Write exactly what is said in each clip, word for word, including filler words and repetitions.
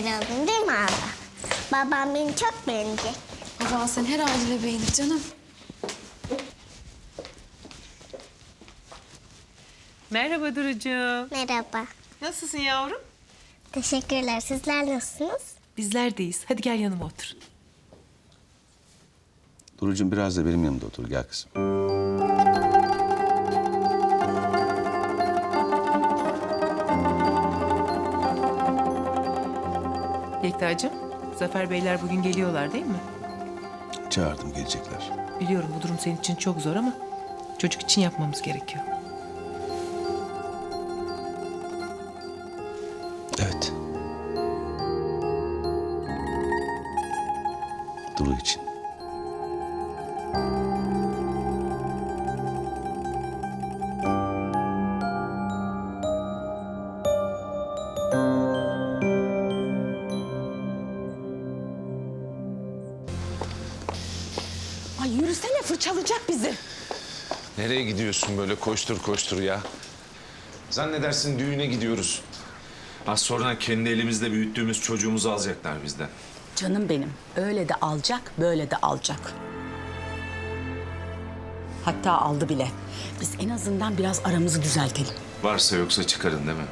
güzel oldum değil mi abla? Babam beni çok beğenecek. Baban seni her haliyle beğenir canım. Merhaba Duru'cuğum. Merhaba. Nasılsın yavrum? Teşekkürler. Sizler nasılsınız? Bizler deyiz. Hadi gel yanıma otur. Duru'cum biraz da benim yanımda otur. Gel kızım. Yekta'cığım, Zafer Beyler bugün geliyorlar değil mi? Çağırdım, gelecekler. Biliyorum bu durum senin için çok zor ama çocuk için yapmamız gerekiyor. Evet. Duru için. Ay yürüsene, fırçalayacak bizi. Nereye gidiyorsun böyle koştur koştur ya? Zannedersin düğüne gidiyoruz. Az sonra kendi elimizle büyüttüğümüz çocuğumuzu alacaklar bizden. Canım benim, öyle de alacak, böyle de alacak. Hatta aldı bile. Biz en azından biraz aramızı düzeltelim. Varsa yoksa çıkarın değil mi?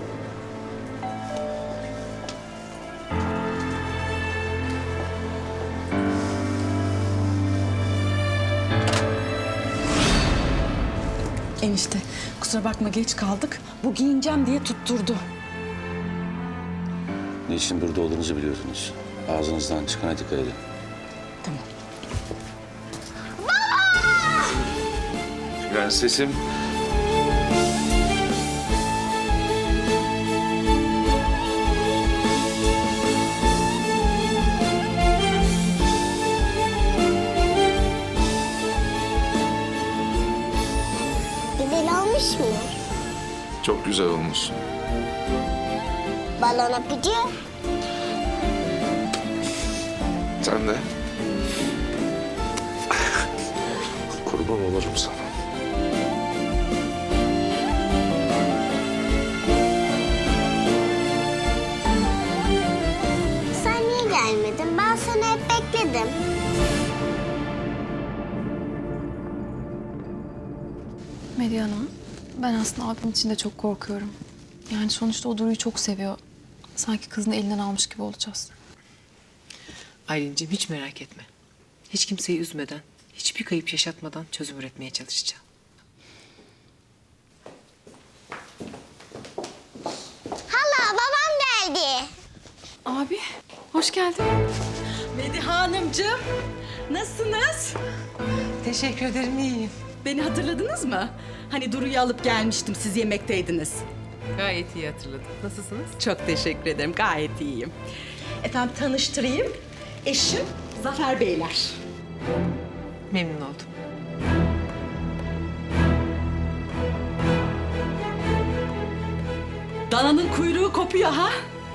Enişte, kusura bakma geç kaldık. Bu giyineceğim diye tutturdu. Niçin burada olduğunuzu biliyorsunuz. Ağzınızdan çıkana dikkat edin. Tamam. Prensesim. Güzel olmuş mu? Çok güzel olmuşsun. Balon öpücü. Sen de. Kurban olurum sana. Sen niye gelmedin? Ben seni hep bekledim. Medya Hanım, ben aslında abim için de çok korkuyorum. Yani sonuçta o Duru'yu çok seviyor. Sanki kızını elinden almış gibi olacağız. Aylin'ciğim hiç merak etme. Hiç kimseyi üzmeden, hiçbir kayıp yaşatmadan çözüm üretmeye çalışacağım. Hala babam geldi. Abi, hoş geldin. Mediha Hanımcığım, nasılsınız? Teşekkür ederim, iyiyim. Beni hatırladınız mı? Hani Duru'yu alıp gelmiştim, siz yemekteydiniz. Gayet iyi hatırladım. Nasılsınız? Çok teşekkür ederim, gayet iyiyim. Efendim tanıştırayım, eşim Zafer Beyler. Memnun oldum. Dananın kuyruğu kopuyor ha?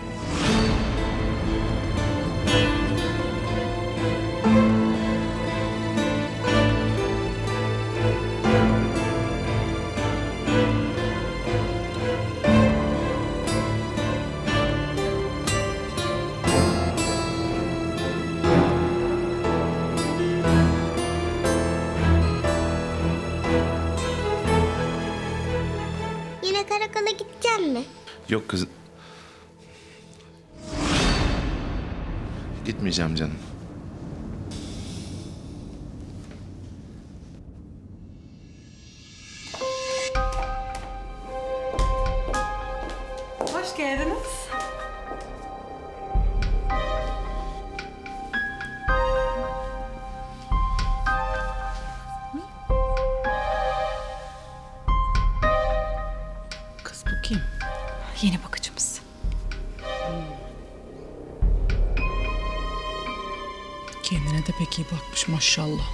Yine karakola gideceğim mi? Yok kız. Gitmeyeceğim canım. Hoş geldiniz. Kız bu kim? Yeni bakıcımız. Kendine de pek iyi bakmış maşallah.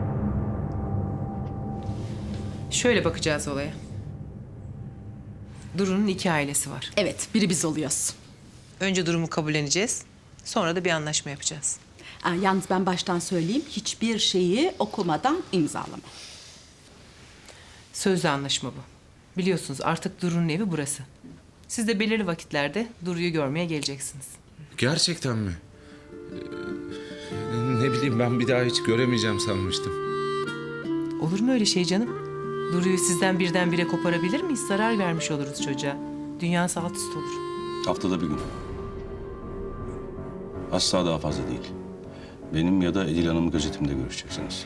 Şöyle bakacağız olaya. Duru'nun iki ailesi var. Evet, biri biz oluyoruz. Önce durumu kabulleneceğiz. Sonra da bir anlaşma yapacağız. Aa, yalnız ben baştan söyleyeyim, hiçbir şeyi okumadan imzalama. Sözlü anlaşma bu. Biliyorsunuz artık Duru'nun evi burası. Siz de belirli vakitlerde Duru'yu görmeye geleceksiniz. Gerçekten mi? Ee, Ne bileyim, ben bir daha hiç göremeyeceğim sanmıştım. Olur mu öyle şey canım? Duru'yu sizden birdenbire koparabilir miyiz? Zarar vermiş oluruz çocuğa. Dünyası alt üst olur. Haftada bir gün. Asla daha fazla değil. Benim ya da Edil Hanım'ın gözetiminde görüşeceksiniz.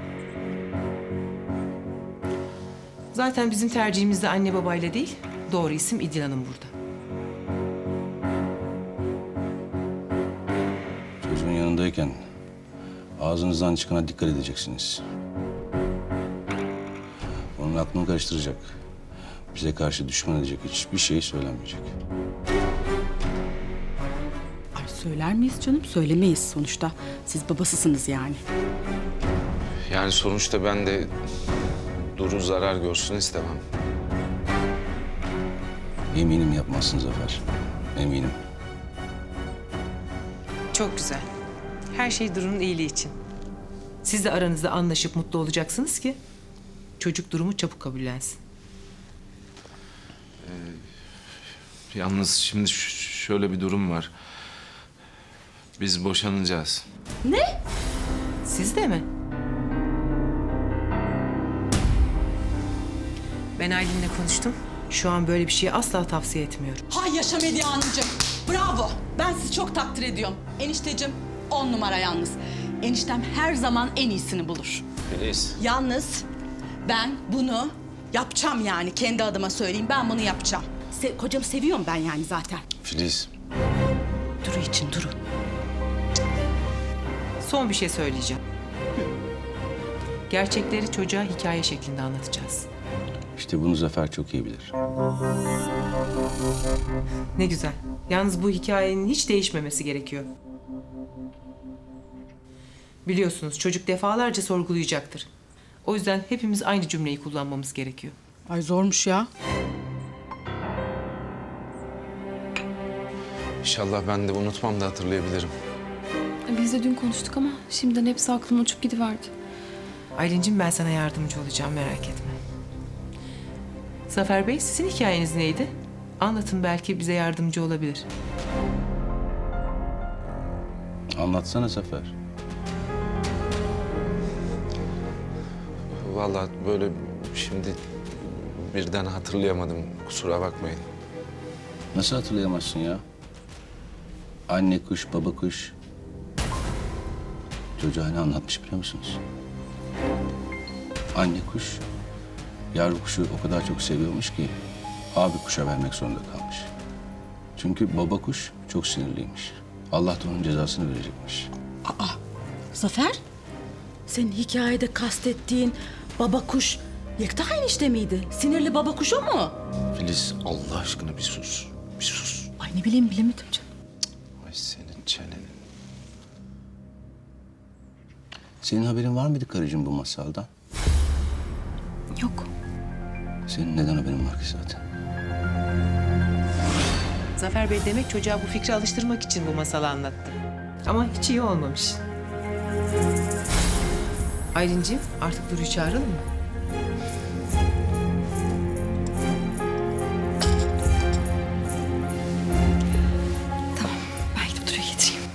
Zaten bizim tercihimiz de anne babayla değil, doğru isim İdil Hanım burada. Çocuğun yanındayken ağzınızdan çıkana dikkat edeceksiniz. Onun aklını karıştıracak, bize karşı düşman edecek hiçbir şey söylenmeyecek. Ay söyler miyiz canım? Söylemeyiz sonuçta. Siz babasısınız yani. Yani sonuçta ben de Duru zarar görsün istemem. Eminim yapmazsın Zafer, eminim. Çok güzel. Her şey Duru'nun iyiliği için. Siz de aranızda anlaşıp mutlu olacaksınız ki çocuk durumu çabuk kabullensin. Yalnız şimdi ş- şöyle bir durum var. Biz boşanacağız. Siz de mi? Ben Aylin'le konuştum. Şu an böyle bir şeyi asla tavsiye etmiyorum. Hay yaşa Medya Hanımcığım. Bravo. Ben sizi çok takdir ediyorum. Enişteciğim on numara yalnız. Eniştem her zaman en iyisini bulur. Filiz. Yalnız ben bunu yapacağım yani. Kendi adıma söyleyeyim. Ben bunu yapacağım. Se kocamı seviyorum ben yani zaten. Filiz. Duru için Duru. Son bir şey söyleyeceğim. Gerçekleri çocuğa hikaye şeklinde anlatacağız. İşte bunu Zafer çok iyi bilir. Ne güzel. Yalnız bu hikayenin hiç değişmemesi gerekiyor. Biliyorsunuz çocuk defalarca sorgulayacaktır. O yüzden hepimiz aynı cümleyi kullanmamız gerekiyor. Ay zormuş ya. İnşallah ben de unutmam da hatırlayabilirim. Biz de dün konuştuk ama şimdiden hepsi aklım uçup gidiverdi. Aylin'cim ben sana yardımcı olacağım merak etme. Zafer Bey sizin hikayeniz neydi? Anlatın belki bize yardımcı olabilir. Anlatsana Zafer. Vallahi böyle şimdi birden hatırlayamadım. Kusura bakmayın. Nasıl hatırlayamazsın ya? Anne kuş, baba kuş. Çocuğa ne anlatmış biliyor musunuz? Anne kuş, yavru kuşu o kadar çok seviyormuş ki abi kuşa vermek zorunda kalmış. Çünkü baba kuş çok sinirliymiş. Allah da onun cezasını verecekmiş. Aa, Zafer, senin hikayede kastettiğin baba kuş Yekta enişte miydi? Sinirli baba kuş o mu? Filiz Allah aşkına bir sus. Bir sus. Ay ne bileyim bilemedim canım. Ay senin çenenin. Senin haberin var mıydı karıcığım bu masaldan? Yok. Senin neden haberin var ki zaten? Zafer Bey demek çocuğa bu fikri alıştırmak için bu masalı anlattı. Ama hiç iyi olmamış. Aylin'ciğim artık Duru'yu çağıralım mı? Tamam. Ben gidip Duru'yu getireyim.